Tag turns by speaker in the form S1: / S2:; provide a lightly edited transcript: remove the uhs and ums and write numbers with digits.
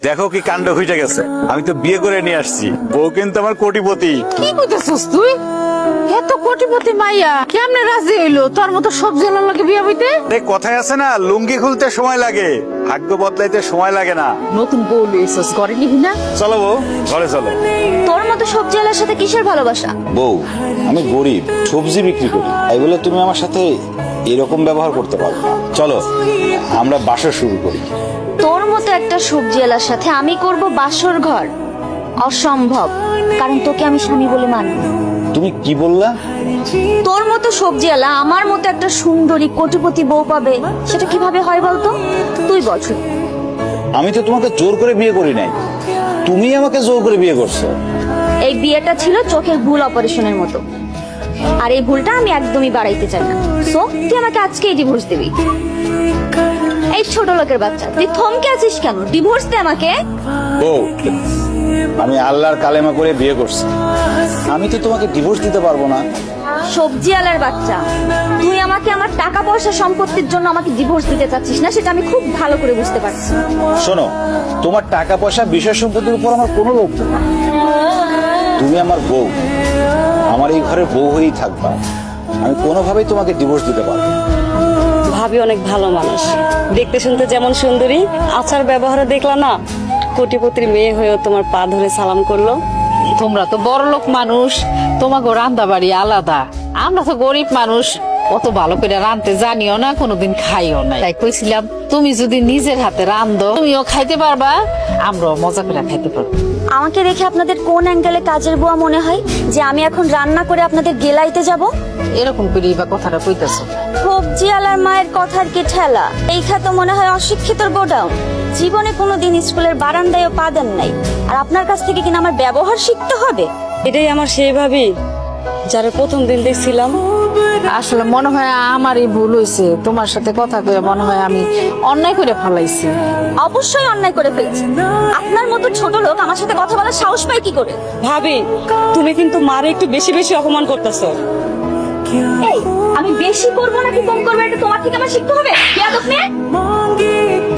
S1: দেখো কি কাণ্ড হইতে গেছে, আমি তো বিয়ে করে নিয়ে আসছি, বউ কিন্তু আমার কোটিপতি।
S2: কি কইতেছস তুই? এত কোটিপতি মাইয়া কেমনে রাজি হইলো তোর মতো সবজি আলার লাগে বিয়া হইতে?
S1: এই কথায় আছে না, লুঙ্গি খুলতে সময় লাগে, ভাগ্য বদলাইতে সময় লাগে না।
S2: নতুন বউ লইছস, ঘরে নিবি না?
S1: চলো বউ, ঘরে চলো।
S3: তোর মতো সবজি আলার সাথে কিসের ভালোবাসা?
S4: বউ, আমি গরিব, সবজি বিক্রি করি, তাই বলে তুমি আমার সাথে এরকম ব্যবহার করতে পারো না। চলো আমরা বাসা শুরু করি।
S3: তোর মতো একটা সবজি আলার সাথে আমি করব বাসর ঘর? অসম্ভব, কারণ তোকে আমি স্বামী বলে মানি না।
S4: তুমি কি বললা?
S3: তোর মতো সবজি আলা আমার মতো একটা সুন্দরী কোটিপতি বউ পাবে, সেটা কিভাবে হয় বলতো? তুই বল শুনি।
S4: আমি তো তোমাকে জোর করে বিয়ে করি নাই, তুমি আমাকে জোর করে বিয়ে করছো।
S3: এই বিয়েটা ছিল চোখের ভুল অপারেশনের মতো, আর এই ভুলটা আমি একদমই বাড়াইতে চাই না। সো তুই আমাকে আজকেই ডিভোর্স দিবি। এই ছোট লোকের বাচ্চা, তুই থমকে আছিস কেন? ডিভোর্স দে আমাকে।
S4: বউ, আমি আল্লাহর কালেমা করে বিয়ে করছি, আমি তো তোমাকে ডিভোর্স দিতে পারবো না।
S3: সবজি আলার বাচ্চা, তুই আমাকে আমার টাকা পয়সা সম্পত্তির জন্য আমাকে ডিভোর্স দিতে চাচ্ছিস না, সেটা আমি খুব ভালো করে বুঝতে পারছি।
S4: শোনো, তোমার টাকা পয়সা বিষয় সম্পত্তির উপর আমার কোনো লোভ নেই। তুমি আমার বউ, আমার এই ঘরের বউ হয়েই থাকবা, আমি কোনোভাবেই তোমাকে ডিভোর্স দিতে পারবো না।
S5: ভাবি অনেক ভালো মানুষ, দেখতে শুনতে যেমন সুন্দরী, আচার ব্যবহারে দেখলা না কোটিপতির মেয়ে হয়েও তোমার পা ধরে সালাম করলো।
S2: তোমরা তো বড় লোক মানুষ, তোমাকে রান্না বাড়ি আলাদা, আমরা তো গরিব মানুষ, অত ভালো করে রাঁধতে জানিও না, কোনোদিন খাইও না। তাই কইছিলাম তুমি যদি নিজের হাতে রান্ধো তুমিও খাইতে পারবা, আমরাও মজা করে খাইতে পারবো।
S3: আমাকে দেখে আপনাদের কোন অ্যাঙ্গেলে কাজের বুয়া মনে হয় যে আমি এখন রান্না করে আপনাদের গেলাইতে যাব?
S2: এরকম করেই বা কথাটা কইতেছো?
S3: সবজি আলার মায়ের কথার কি ঠেলা? এই খাতে মনে হয় অশিক্ষিতর গোডাউন। জীবনে কোনোদিন স্কুলের বারান্দায়ও পা দেন নাই, আর আপনার কাছ থেকে কিনা আমার ব্যবহার শিখতে হবে?
S5: এটাই আমার সেই ভাবি যারা প্রথম দিন দেখছিলাম।
S2: আসলে মনে হয় আমারই ভুল হয়েছে, তোমার সাথে কথা কয়ে মনে হয় আমি অন্যায় করে ফেলাইছি।
S3: অবশ্যই অন্যায় করে ফেলেছি। আপনার মতো ছোট লোক আমার সাথে কথা বলার সাহস পায় কি করে?
S5: ভাবি, তুমি কিন্তু মারে একটু বেশি বেশি অপমান করতেছো।
S3: এই, আমি বেশি করবো নাকি কম করবো এটা তোমার থেকে আমার শিখতে হবে। বেয়াদব মেয়ে।